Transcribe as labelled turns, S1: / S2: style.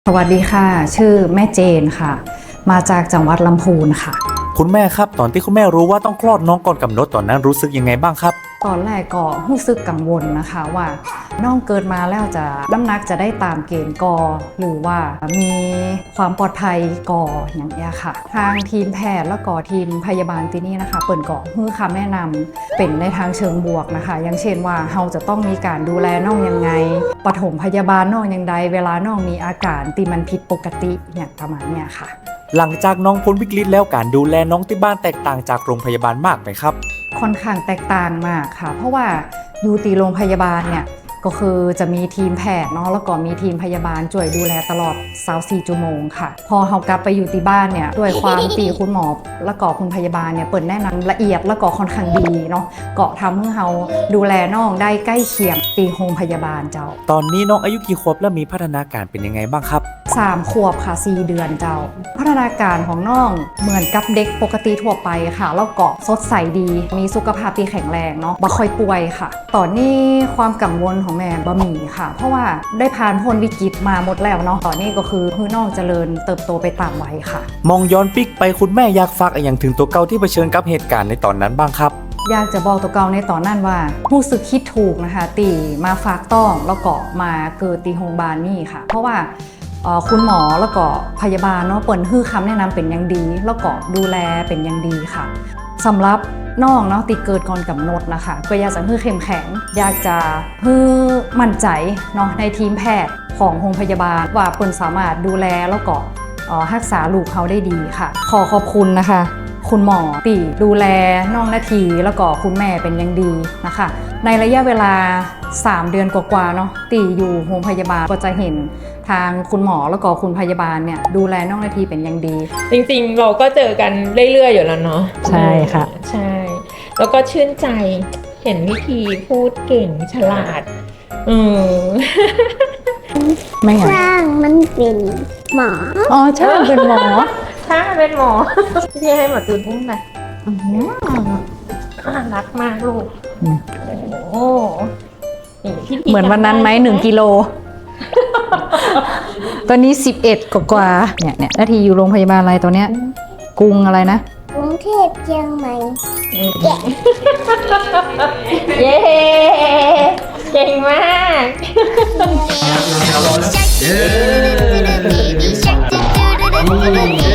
S1: สวัสดีค่ะชื่อแม่เจนค่ะมาจากจังหวัดลำพูนค่ะ
S2: คุณแม่ครับตอนที่คุณแม่รู้ว่าต้องคลอดน้องก่อนกำหนดตอนนั้นรู้สึกยังไงบ้างครับ
S1: ตอนแรกก็รู้สึกกังวลนะคะว่าน้องเกิดมาแล้วจะน้ำหนักจะได้ตามเกณฑ์กอหรือว่ามีความปลอดภัยกออย่างเงี้ยค่ะทางทีมแพทย์แล้วก็ทีมพยาบาลที่นี่นะคะเปิดเกาะให้คำแนะนำเป็นในทางเชิงบวกนะคะอย่างเช่นว่าเราจะต้องมีการดูแลน้องยังไงปฐมพยาบาลน้องยังไงเวลาน้องมีอาการที่มันผิดปกติเนี่ยประมาณเนี้ยค่ะ
S2: หลังจากน้องพ้นวิกฤตแล้วการดูแลน้องที่บ้านแตกต่างจากโรงพยาบาลมากไหมครับ
S1: ค่อนข้างแตกต่างมากค่ะเพราะว่าอยู่ตีโรงพยาบาลเนี่ยก็คือจะมีทีมแพทย์เนาะแล้วก็มีทีมพยาบาลช่วยดูแลตลอด24ชั่วโมงค่ะพอเรากลับไปอยู่ที่บ้านเนี่ยด้วยความตีคุณหมอแล้วก็คุณพยาบาลเนี่ยเปิดแนะนำละเอียดแล้วก็ค่อนข้างดีเนาะก็ทำให้เราดูแลน้องได้ใกล้เคียงตีโรงพยาบาลเจ้า
S2: ตอนนี้น้องอายุกี่ขวบและมีพัฒนาการเป็นยังไงบ้างครับ
S1: 3 ขวบค่ะ4 เดือนเจ้าพัฒนาการของน้องเหมือนกับเด็กปกติทั่วไปค่ะแล้วก็สดใสดีมีสุขภาพที่แข็งแรงเนาะบ่ค่อยป่วยค่ะตอนนี้ความกังวลของแม่บ่มีค่ะเพราะว่าได้ผ่านพ้นวิกฤตมาหมดแล้วเนาะตอนนี้ก็คือน้องเจริญเติบโตไปตามวัยค่ะ
S2: มองย้อนปิกไปคุณแม่อยากฝากอะไรอย่างถึงตัวเก่าที่เผชิญกับเหตุการณ์ในตอนนั้นบ้างครับ
S1: อยากจะบอกตัวเก่าในตอนนั้นว่ารู้สึกคิดถูกนะคะตีมาฝากต้องแล้วก็มาเกิดตีโรงพยาบาลนี่ค่ะเพราะว่าคุณหมอแล้วก็พยาบาลเนาะเปิดฮื้อคำแนะนำเป็นอย่างดีแล้วก็ดูแลเป็นอย่างดีค่ะสำหรับน้องเนาะติเกิดก่อนกำหนดนะคะก็อยากจะฮื้อเข้มแข็งอยากจะฮื้อมั่นใจเนาะในทีมแพทย์ของโรงพยาบาลว่าเปิ่นสามารถดูแลแล้วก็รักษาลูกเขาได้ดีค่ะขอขอบคุณนะคะคุณหมอตีดูแลน้องนาทีแล้วก็คุณแม่เป็นอย่างดีนะคะในระยะเวลา3 เดือนกว่าๆเนาะตีอยู่โรงพยาบาลก็จะเห็นทางคุณหมอแล้วก็คุณพยาบาลเนี่ยดูแลน้องนาทีเป็นอย่างดี
S3: จริงๆเราก็เจอกันเรื่อยๆอยู่แล้วเนาะ
S1: ใช่ค่ะ
S3: ใช่แล้วก็ชื่นใจเห็นวิธีพูดเก่งฉลาด
S1: ไม่
S4: ช่างมันเป็นหมอ
S1: อ๋อช่างเป็นหมอ
S3: ช่างเป็นหมอที่ให้หมอจูนอุ้มนะรักมากลูกโอ้
S1: เหมือนวันนั้นไหม1 กิโลตอนนี้11กว่าเนี่ยนาทีอยู่โรงพยาบาลอะไรตัวเนี้ยกรุงอะไรนะ
S4: กรุงเทพเชียงใหม่
S3: เย้เก่งมาก